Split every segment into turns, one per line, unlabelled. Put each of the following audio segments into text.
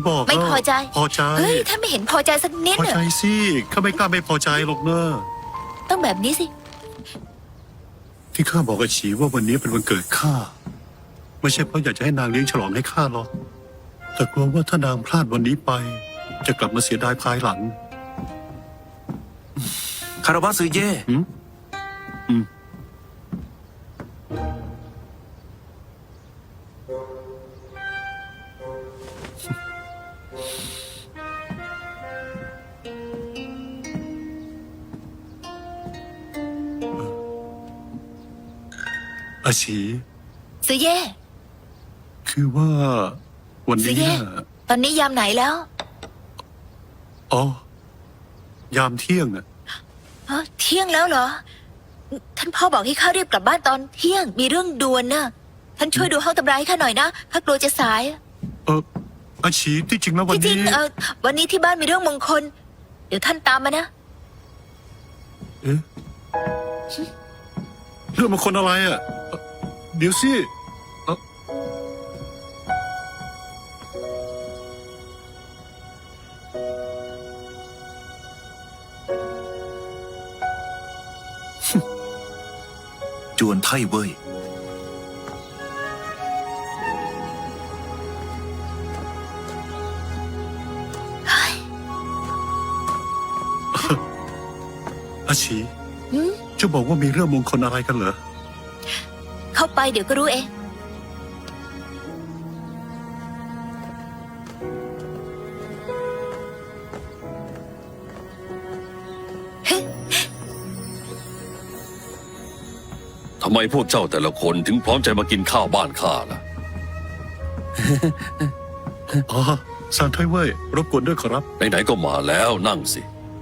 บอก
ไม่พอใจ
พอใจ
เฮ้ยท่านไม่เห็นพอใจสักนิด
พอ
เหร
ใจ
อ
สิข้าไม่กล้าไม่พอใจหรอกเนอะ
ต้องแบบนี้สิ
ที่ข้าบอกกับฉีว่าวันนี้เป็นวันเกิดข้าไม่ใช่เพราะอยากจะให้นางเลี้ยงฉลองให้ข้าหรอกแต่กลัวว่าถ้านางพลาดวันนี้ไป จะกลับมาเสียดายภายหลัง
คารวะซือเย่
อาชี
ซื้อเย่
คือว่าวัน
ซื้อ
นี้
เย่
น่ะ
ตอนนี้ยามไหนแล้ว
อ๋อ ยามเที่ยงน่ะ
ฮะเที่ยงแล้วเหรอ ท่านพ่อบอกให้ข้ารีบกลับบ้านตอนเที่ยงมีเรื่องด่วนน่ะ ท่านช่วยดูห้องตำราให้ข้าหน่อยนะข้ากลัวจะสาย
อาชีที่จริงแล้ววัน
ที่จริ
นี้
งวันนี้ที่บ้านมีเรื่องมงคล เดี๋ยวท่านตามมานะ
เอ๊ะเรื่องมันคนอะไรอ่ะเดี๋ยวสิเอ่อ
จวนไทเว่ย
อาชี
หืม
จะบอกว่ามีเรื่องมงคลอะไรกันเหรอ
เข้าไปเดี๋ยวก็รู้เอง
ทำไมพวกเจ้าแต่ละคนถึงพร้อมใจมากินข้าวบ้านข้าล่ะ
อ๋อซานไทเว่ยรบกวนด้วยขอรับ
ไหนๆก็มาแล้วนั่งสิ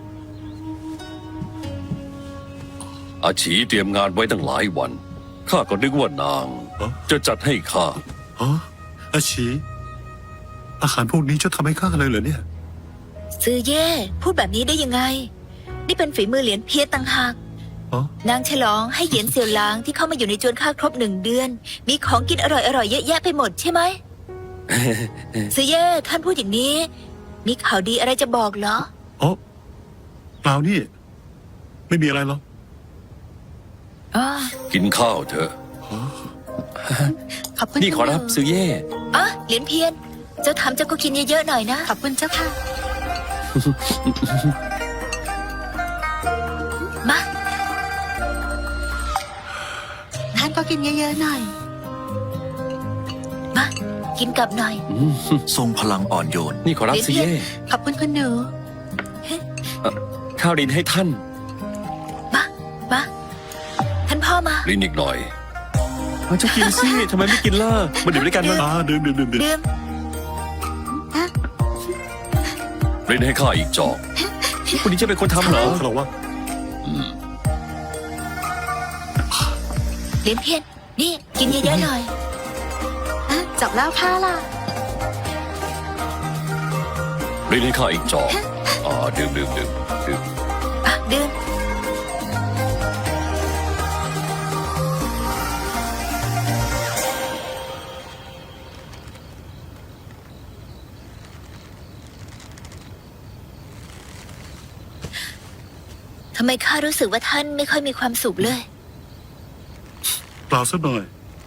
อาฉีเตรียมงานไว้ตั้งหลายวัน ข้าก็นึกว่านาง
อ๋อ
จะจัดให้ข้า
อ๋ออาชีอาหารพวกนี้จะทำให้ข้าเลยเหรอเนี่ย
ซื้อเย่พูดแบบนี้ได้ยังไง นี่เป็นฝีมือเหรียญเพียรต่างหาก
อ๋อ
นางฉลองให้เหยียนเสี่ยวหลางที่เข้ามาอยู่ในจวนข้าครบ1 เดือน มีของกินอร่อยๆเยอะแยะไปหมดใช่ไหม ซื้อเย่ท่านพูดอย่างนี้ มีข่าวดีอะไรจะบอกเหรอ
อ๋อเปล่านี่ ไม่มีอะไรหรอก
อ๋อ
กินข้าวเถอะ
ขอบคุณ
นี่ขอรับซือเย่
อ่ะเหรียญเพียรเจ้าทำเจ้าก็กินเยอะๆหน่อยนะ ขอบคุณเจ้าค่ะ มา ท่านก็กินเยอะๆหน่อย มา กินกับหน่อย
ทรงพลังอ่อนโยน
นี่ขอรับซือเย่
ขอบคุณคุณหนู
ข้าวดินให้ท่าน
มา มา ท่านพ่อมา
ลิ้นอีกหน่อย
มันจะกินสิทำไมไม่กินล่ะมาดื่มด้วยกันมั้ง
ดื่ม
ดื่ม
ลิ้นให้ข้าอีกจอก
คุณนี้จะเป็นคนทำเหรอ
ขอรับว่า
เหรียญเพียรนี่ กินเยอะๆหน่อยจับแล้วผ้าล่ะ
ลิ้นให้ข้าอีกจอกดื่ม
อ่ะดื่มทำไมข้ารู้สึกว่าท่านไม่ค่อยมีความสุขเลย
เปล่าสักหน่อย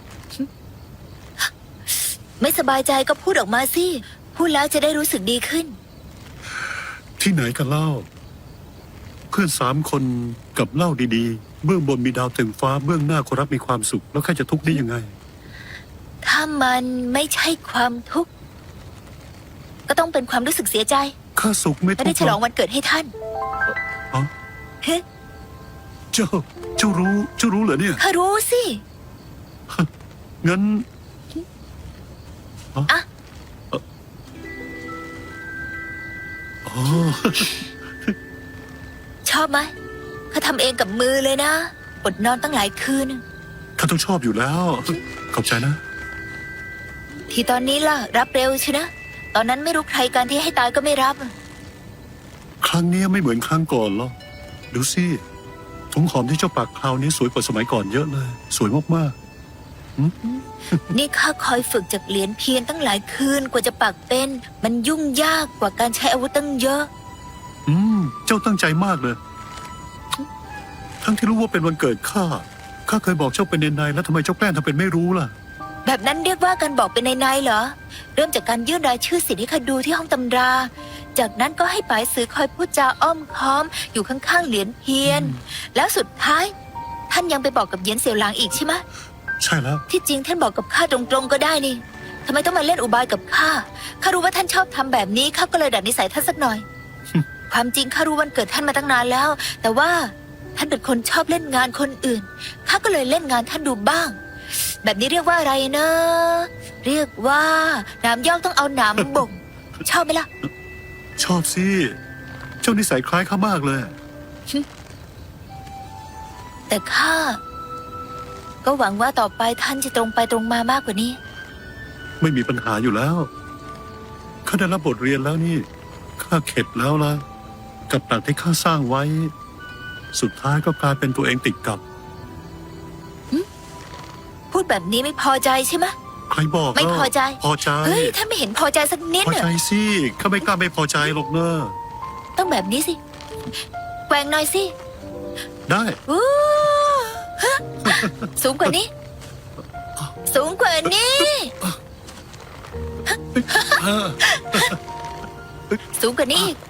ไม่สบายใจก็พูดออกมาสิ พูดแล้วจะได้รู้สึกดีขึ้น
ที่ไหนกันเล่า เพื่อน3 คนกับเล่าดีๆ เบื้องบนมีดาวเต็มฟ้าเบื้องหน้าคนรับมีความสุข แล้วใครจะทุกข์ได้ยังไง
ถ้ามันไม่ใช่ความทุกข์ ก็ต้องเป็นความรู้สึกเสียใจ
ข้าสุขไม่
ไม่
ทุ
ได้
กข์
ฉลองวันเกิดให้ท่าน
อ๋อ
เฮ้
เจ้ารู้เหรอเนี่ย
ข้ารู้สิ
งั้น
อ่ะ
อ๋อ
ชอบไหมข้าทำเองกับมือเลยนะอดนอนตั้งหลายคืน
ข้าต้องชอบอยู่แล้ว ขอบใจนะ
ที่ตอนนี้ล่ะ รับเร็วใช่นะ ตอนนั้นไม่รู้ใครการที่ให้ตายก็ไม่รับ
ครั้งนี้ไม่เหมือนครั้งก่อนหรอกดูสิถุงหอมที่เจ้าปักคราวนี้สวยกว่าสมัยก่อนเยอะเลย สวยมาก
นี่ข้าคอยฝึกจากเหรียญเพียนตั้งหลายคืนกว่าจะปักเป็น มันยุ่งยากกว่าการใช้อาวุธตั้งเยอะ
เจ้าตั้งใจมากเลย ทั้งที่รู้ว่าเป็นวันเกิดข้าเคยบอกเจ้าเป็นในแล้วทำไมเจ้าแกล้งทำเป็นไม่รู้ล่ะ
แบบนั้นเรียกว่าการบอกเป็นในๆเหรอ เริ่มจากการยื่นรายชื่อสิทธิ์ให้ข้าดูที่ห้องตำรา จากนั้นก็ให้ป๋ายสือคอยพูดจาอ้อมค้อมอยู่ข้างๆเหรียญเพียน แล้วสุดท้าย ท่านยังไปบอกกับเหยียนเสี่ยวหลางอีกใช่ไหม
ใช่แล้ว
ที่จริงท่านบอกกับข้าตรงๆก็ได้นี่ทำไมต้องมาเล่นอุบายกับข้า ข้ารู้ว่าท่านชอบทำแบบนี้ข้าก็เลยดัดนิสัยท่านสักหน่อย ความจริงข้ารู้วันเกิดท่านมาตั้งนานแล้ว แต่ว่าท่านเป็นคนชอบเล่นงานคนอื่น ข้าก็เลยเล่นงานท่านดูบ้าง แบบนี้เรียกว่าอะไรนะ เรียกว่าหนามยอกต้องเอาหนามบ่ง ชอบไหมล่ะ
ชอบสิ เจ้านิสัยคล้ายข้ามากเลย
แต่ข้าก็หวังว่าต่อไปท่านจะตรงไปตรงมามากกว่านี้
ไม่มีปัญหาอยู่แล้ว ข้าได้รับบทเรียนแล้วนี่ ข้าเข็ดแล้วล่ะ กับดักที่ข้าสร้างไว้ สุดท้ายก็กลายเป็นตัวเองติดกับ
พูดแบบนี้ไม่พอใจใช่ไหม
ใครบอก
ไม่พอใจ
พอใจ
เฮ้ยท่านไม่เห็นพอใจสักนิด
พอ
เหร
ใจ
อ
สิข้าไม่กล้าไม่พอใจหรอกเนอะ
ต้องแบบนี้สิแกว่งหน่อยสิ
ได้
อู้ฮะสูงกว่านี้ สูงกว่านี้ สูงกว่านี้อีก